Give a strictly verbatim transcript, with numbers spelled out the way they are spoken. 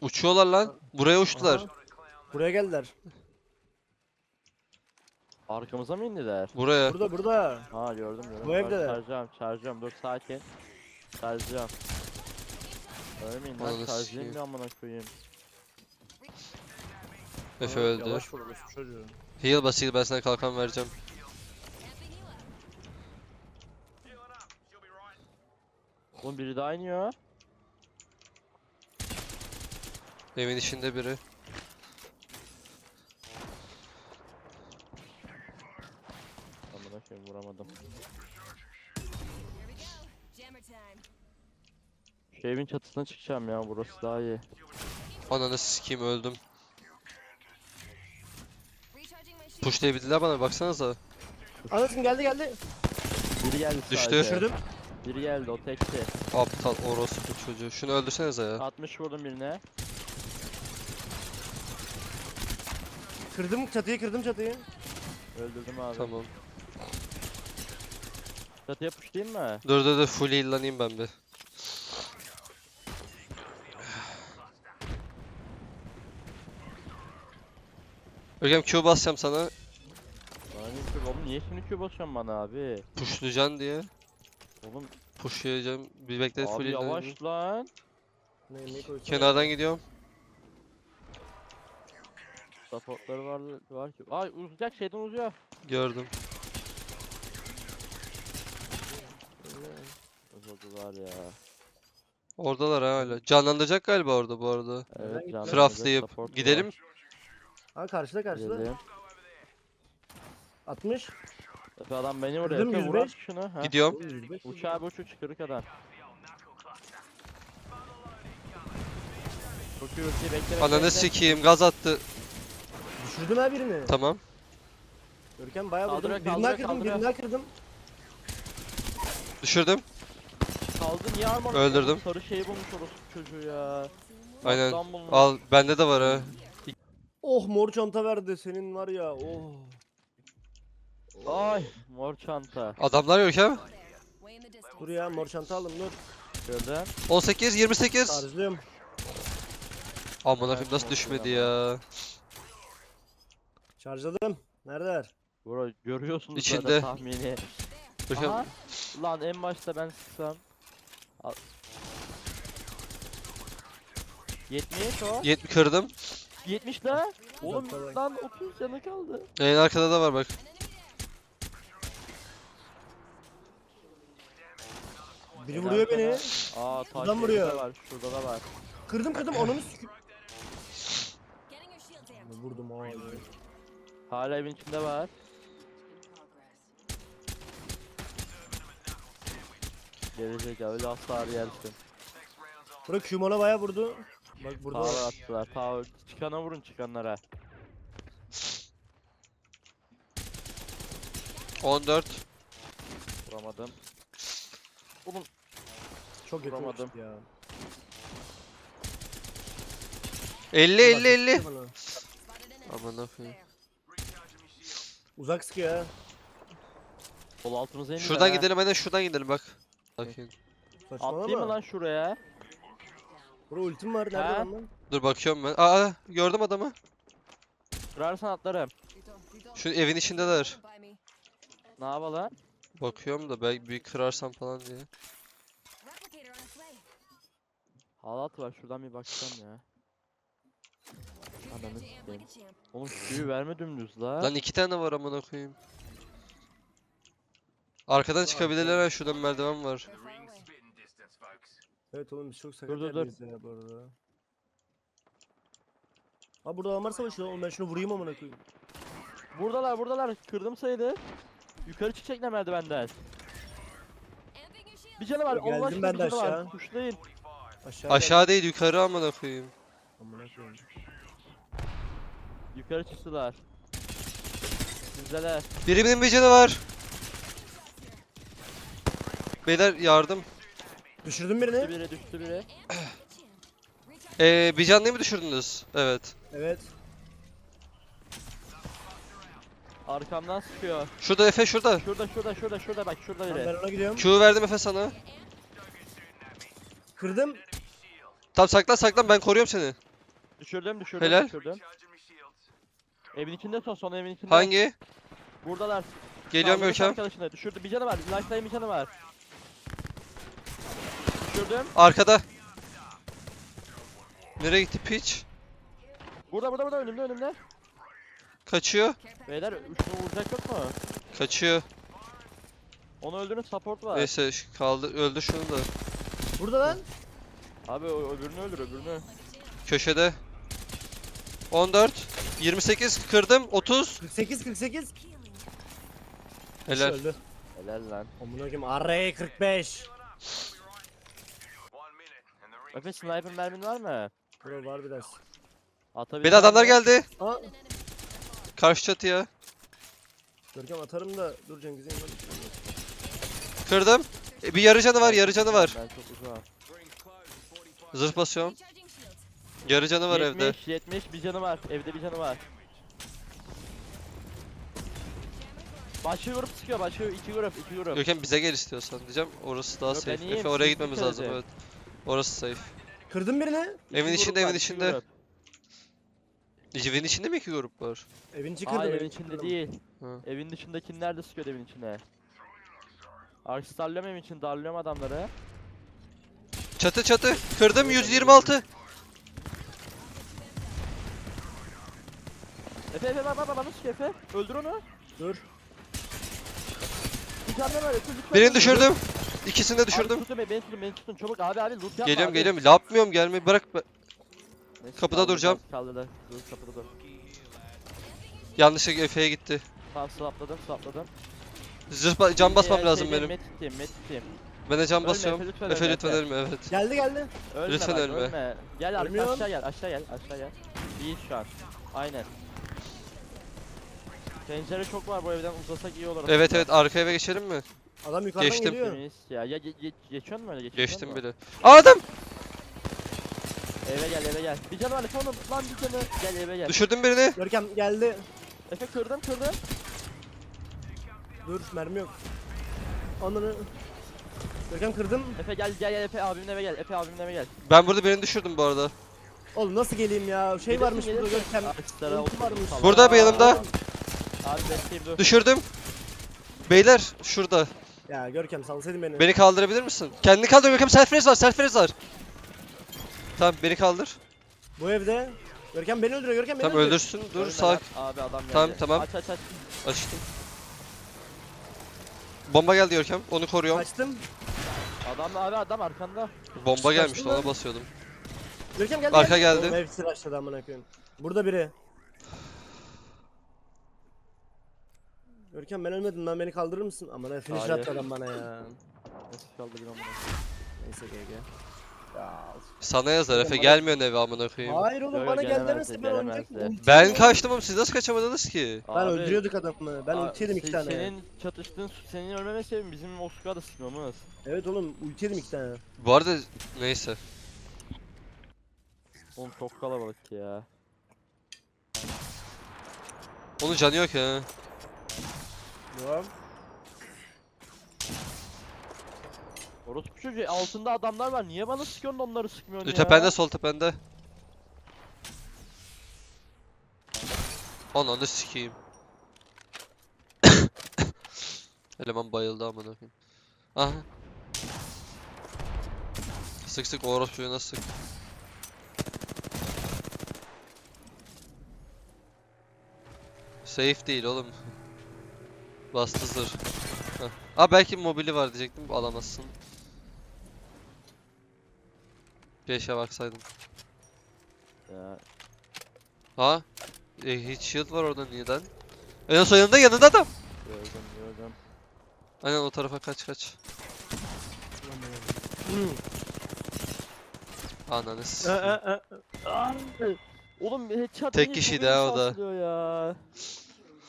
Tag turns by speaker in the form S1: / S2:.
S1: Uçuyorlar lan. Buraya uçtular.
S2: Aha. Buraya geldiler.
S3: Arkamıza mı indiler?
S1: Buraya.
S2: Burada burada.
S3: Ha gördüm gördüm.
S2: Bu
S3: Bak,
S2: evdeler.
S3: Çarjacağım çarjacağım dur sakin. Çarjacağım. Ölmeyin
S1: Ananı
S3: lan çarjayım
S1: sikeyim.
S3: bir amına koyayım.
S1: Efe
S2: Aha,
S1: öldü.
S2: Yavaş vur orası çocuğu.
S1: Heal bas heal, ben sana kalkan vereceğim.
S3: Oğlum biri daha iniyor.
S1: Evin içinde biri.
S3: Amına koyayım vuramadım. Şu evin çatısına çıkacağım ya burası daha iyi.
S1: Ananı sikeyim, öldüm. Pushlayabildiler bana, baksanıza.
S2: Anasın geldi geldi.
S3: Biri geldi
S1: Düştü.
S3: sadece.
S2: Düşürdüm.
S3: Biri geldi o tekti.
S1: Aptal orospu çocuğu. Şunu öldürsenize ya.
S3: altmış vurdum birine.
S2: Kırdım çatıyı kırdım çatıyı.
S3: Öldürdüm abi.
S1: Tamam.
S3: Çatıya pushlayayım mı?
S1: Dur dur dur, full heal'lanayım ben bir. Görkem Q basacağım sana.
S3: Bana niye Q oğlum niye şimdi Q basıyorsun bana abi?
S1: Pushlayacaksın diye.
S3: Oğlum
S1: Pushlayacağım. Bir bekle, full
S3: abi
S1: heal'lanayım.
S3: yavaş lan.
S2: Ne, ne koysam?
S1: Kenardan gidiyorum.
S3: Supportları var var ki. Ay uzayacak şeyden uzuyor.
S1: Gördüm.
S3: Uzadılar ya.
S1: Oradalar ha hala. Canlandıracak galiba orada bu arada.
S3: Evet
S2: gittim.
S3: canım.
S1: Craftlayıp gidelim.
S2: Ha karşıda karşıda.
S3: Gidelim.
S2: altmış.
S3: Efe adam beni vuruyor.
S2: Kırdım
S3: Efe
S2: yüz
S3: vur
S2: beş.
S3: at şunu. Ha.
S1: Gidiyorum.
S2: yüz beş.
S3: Uç abi uç uç kırık adam. Çok iyi ulti bekle bekle.
S1: Ananı
S3: bekle.
S1: sikeyim, gaz attı.
S2: Düşürdüm ha birini.
S1: Tamam.
S2: Görkem bayağı vurdum.
S3: Kaldırıyor,
S2: Birini daha
S3: kaldırıyor,
S2: kırdım
S3: kaldırıyor.
S2: birini daha kırdım.
S1: Düşürdüm.
S3: Kaldı niye armor?
S1: Öldürdüm.
S3: Sarı şeyi bulmuş orospu çocuğu ya.
S1: Aynen.
S3: Aslan bulmuş.
S1: Al, bende de var ha.
S2: Oh mor çanta verdi senin var ya oh.
S3: Ay mor çanta.
S1: Adamlar yok ha.
S2: Dur ya mor çanta aldım dur.
S3: Gördün?
S1: on sekiz yirmi sekiz.
S2: Tarzlıyorum.
S1: Aman akım nasıl düşmedi ya.
S2: Şarjladım. Neredeler?
S3: Bro görüyorsunuz
S1: İçinde.
S3: zaten tahmini.
S1: Görkem
S3: Aha. Lan en başta ben sıksam. Al. yetmiş o.
S1: yetmiş kırdım.
S3: yetmiş la. Oğlum
S2: Uzakta bak.
S3: lan otuz canı kaldı.
S1: En arkada da var bak.
S2: Biri vuruyor beni.
S3: Aa taş
S2: Adam vuruyor.
S3: da var. Şurada da var.
S2: Kırdım kırdım onunu süküm. Vurdum ha.
S3: Hala evin içinde var. Gelecek öyle asla yersin.
S2: Bırak Q'mona bayağı vurdu. Bak burada
S3: Power
S2: var.
S3: attılar. Power. Çıkana vurun çıkanlara.
S1: on dört.
S3: Vuramadım. Oğlum
S2: Çok yakın
S3: Vuramadım.
S2: uçtu ya.
S1: elli elli elli.
S2: Bana.
S1: Aman akım.
S2: Uzak sıkıyor ya.
S3: sol altımıza indi.
S1: Şuradan gidelim, hadi şuradan gidelim bak. Bakayım.
S2: Saçmalama.
S3: Atlayayım mı lan şuraya?
S2: Burada ultim var. Nerede
S3: Ha?
S2: lan lan?
S1: Dur bakıyorum ben. Aa, gördüm adamı.
S3: Kırarsan atlarım.
S1: Şu evin içindeler.
S3: Ne yapalım?
S1: Bakıyorum da belki bir kırarsam falan diye.
S3: Halat var şuradan bir bakacağım ya. Ananı sikeyim. Oğlum suyu verme dümdüz la.
S1: Lan iki tane var amına koyayım. Arkadan çıkabilirler ha, şuradan merdiven var.
S2: Evet oğlum biz çok sakat
S3: Dur, dur, dur.
S2: yerdeyiz ya bu arada. Abi burada adamlar savaşıyor oğlum ben şunu vurayım amına koyayım.
S3: Buradalar buradalar. Kırdım sayılı. Yukarı çıkacaklar merdivenden. Bir canı var.
S2: Geldim
S3: Allah aşkına
S2: ben
S3: bir
S2: de
S3: canı var.
S2: aşağı.
S3: Kuşlayın.
S2: Aşağı
S1: Aşağı değil, yukarı amına koyayım.
S2: gel. Amına koyayım.
S3: Yukarı çıktılar. Sizdeler.
S1: Birimin bir canı var. Beyler yardım.
S2: Düşürdün
S3: Düştü
S2: birini.
S3: biri düştü biri.
S1: Ee, bir canlıyı mı düşürdünüz? Evet.
S2: Evet.
S3: Arkamdan sıkıyor.
S1: Şurada Efe, şurada.
S3: Şurada şurada şurada şurada bak şurada
S2: Tamam, ben
S3: biri.
S2: ona gidiyorum.
S1: Q verdim Efe sana.
S2: Kırdım.
S1: Tamam saklan saklan, ben koruyorum seni.
S3: Düşürdüm düşürdüm
S1: Helal.
S3: düşürdüm. Evin içinde son son evin içinde.
S1: Hangi?
S3: Buradalar.
S1: Geliyorum
S3: Saldırmış
S1: Görkem.
S3: arkadaşına. Düşürdü bir canı var. Lifetime bir canı var. Düşürdüm.
S1: Arkada. Nereye gitti piç?
S3: Burada burada burada önümde önümde.
S1: Kaçıyor.
S3: Beyler şunu vuracak yok mu?
S1: Kaçıyor.
S3: Onu öldürün support var.
S1: Neyse şu- kaldı öldü şunu da.
S2: Burada lan.
S3: Abi o öbürünü öldür öbürünü.
S1: Köşede. on dört. yirmi sekiz kırdım. otuz.
S2: kırk sekiz kırk sekiz.
S1: Helal.
S2: Öldü.
S3: Helal lan.
S2: Amına koyayım. Array kırk beş.
S3: Efe sniper mermin var mı?
S2: Bro var biraz.
S3: Atabilir
S1: Bir de adamlar
S3: misin?
S1: geldi.
S2: Aa.
S1: Karşı çatıya.
S2: Görkem atarım da dur Cengiz'in yanına.
S1: Kırdım. E, bir yarı canı var, yarı canı var.
S3: Ben çok uzağım.
S1: Zırh basıyorum. Yarı canı var evde.
S3: yetmiş yetmiş bir canı var. Evde bir canı var. Başka grup sıkıyor. Başka iki grup. iki grup.
S1: Görkem bize gel istiyorsan diyeceğim. Orası daha
S3: Yok, ben
S1: safe.
S3: iyiyim,
S1: Efe oraya
S3: siz
S1: gitmemiz
S3: dikkat
S1: lazım
S3: edin.
S1: evet. Orası safe.
S2: Kırdım birini.
S3: İki
S1: Evin
S3: grup
S1: içinde,
S3: var,
S1: evin
S3: iki
S1: içinde.
S3: grup.
S1: Evin içinde mi iki grup var?
S2: Evin içi kırdım.
S3: Hayır
S2: evin
S3: evin
S2: içi
S3: içinde
S2: kırdım.
S3: değil.
S1: Hı.
S3: Evin dışındakiler de sıkıyor evin içine. Arks darlıyorum evin için darlıyorum adamları.
S1: Çatı çatı. Kırdım yüz yirmi altı.
S3: Efe Efe bak bak bak bana sıkıyor Efe. Öldür onu.
S2: Dur.
S3: Bir tane var Efe lütfen.
S1: Birini
S3: öldür.
S1: düşürdüm. İkisini de
S3: Abi
S1: düşürdüm.
S3: tutun beni, beni tutun beni tutun çabuk abi abi loot yapma
S1: Geliyorum
S3: abi.
S1: geliyorum. Yapmıyorum gelmeyi bırak. be-
S3: Neyse,
S1: Kapıda
S3: kaldırdı,
S1: duracağım.
S3: Kaldırdı. Dur kapıda dur.
S1: Yanlışlıkla Efe'ye gitti.
S3: Tamam slapladım slapladım.
S1: Zırh ba- can basmam
S3: Ee,
S1: lazım
S3: şeyde,
S1: benim.
S3: Met tutayım met tutayım.
S1: Ben de can
S3: Ölme
S1: basıyorum.
S3: Efe, lütfen
S1: Efe
S3: ölme,
S1: lütfen
S3: Efe.
S1: ölme evet.
S2: Geldi geldi.
S3: Ölme
S1: Lütfen
S3: bak,
S1: ölme.
S3: ölme. Gel arka
S2: Ölmüyorum.
S3: aşağı gel aşağı gel aşağı gel. İyi şu an. Aynen. Pencere çok var bu evden uzasak iyi olur.
S1: Evet
S3: aslında.
S1: evet arka eve geçelim mi?
S2: Adam yukarıdan
S1: Geçtim.
S2: geliyor.
S3: Temiz ya. Ya ge ge geçiyor mu öyle geçiyor
S1: Geçtim
S3: mu?
S1: bile. Aa, adam!
S3: Eve gel eve gel. Bir canı var Efe onu lan bir canı. Gel eve gel.
S1: Düşürdüm birini.
S2: Görkem geldi.
S3: Efe kırdım kırdım.
S2: Dur mermi yok. Ananı. Görkem kırdım.
S3: Efe gel gel gel Efe abimin eve gel. Efe abimin eve gel.
S1: Ben burada birini düşürdüm bu arada.
S2: Oğlum nasıl geleyim ya? Şey
S3: Gelirsin,
S2: varmış burada
S3: gelirsin.
S2: Görkem.
S3: Ağaçlara
S2: Ulti
S3: otur,
S2: varmış.
S3: falan.
S1: Burada bir yanımda.
S3: Abi bekleyeyim dur.
S1: Düşürdüm. Beyler şurada.
S2: Ya Görkem salsaydın beni.
S1: Beni kaldırabilir misin? Kendini kaldır Görkem. Self raise var. Self raise var. Tamam beni kaldır.
S2: Bu evde. Görkem beni öldürüyor. Görkem beni
S1: Tamam
S2: öldürüyor.
S1: öldürsün. Dur
S3: Ölme
S1: sağ.
S3: lan. Abi adam geldi.
S1: Tamam, tamam.
S3: Aç aç aç.
S1: Açtım. Bomba geldi Görkem. Onu koruyorum.
S2: Kaçtım.
S3: Adam abi adam arkanda.
S1: Bomba
S2: Kaçtın
S1: gelmişti
S2: lan.
S1: ona basıyordum.
S2: Görkem geldi.
S1: Arka geldi.
S2: Oğlum hepsi başladı amına koyayım. Burada biri. Görkem ben ölmedim lan beni kaldırır mısın? Aman ha finish
S3: Hayır.
S2: attı adam bana ya.
S3: Nasıl kaldırayım amına.
S2: Neyse G G. Ya.
S1: Sana yazar Efe
S2: Bana-
S1: gelmiyorsun eve amına koyayım.
S2: Hayır oğlum
S3: Yok,
S2: bana
S3: gelemezdi,
S2: gel demezse ben oynayacaktım.
S3: gelemezdi.
S2: Ulti
S1: Ben
S2: yedim.
S1: kaçtım oğlum siz nasıl kaçamadınız ki?
S2: Ben
S3: Abi,
S2: öldürüyorduk adamı. Ben
S3: aa,
S2: ulti yedim iki
S3: se-
S2: tane.
S3: Senin çatıştığın senin ölmeme sebebin bizim o squad'ı sıkmamız.
S2: Evet oğlum ulti yedim iki tane.
S1: Bu arada neyse.
S3: Oğlum çok kalabalık ya.
S1: Onun canı yok ya.
S2: Devam.
S3: Orospu çocuğu altında adamlar var. Niye bana sıkıyorsun da onları sıkmıyorsun ya?
S1: Tepende sol tepende. Ananı sikeyim. Eleman bayıldı amına koyayım. Aha. Sık sık o orospuyu nasıl sık. Safe değil oğlum. Bastı zırh. Heh. Aa belki mobili var diyecektim alamazsın. Beşe baksaydın.
S3: Ya,
S1: Ha? E, hiç shield var orada neden? En son yanında yanında adam.
S3: gördüm gördüm.
S1: Aynen o tarafa kaç kaç.
S2: Hmm.
S1: Ananı
S2: Ee,
S1: sikeyim.
S2: ee, ee.
S3: Oğlum headshot
S1: Tek
S3: niye
S1: kişiydi
S3: çok
S1: ha
S3: iyi
S1: o da.
S3: sarsılıyor ya.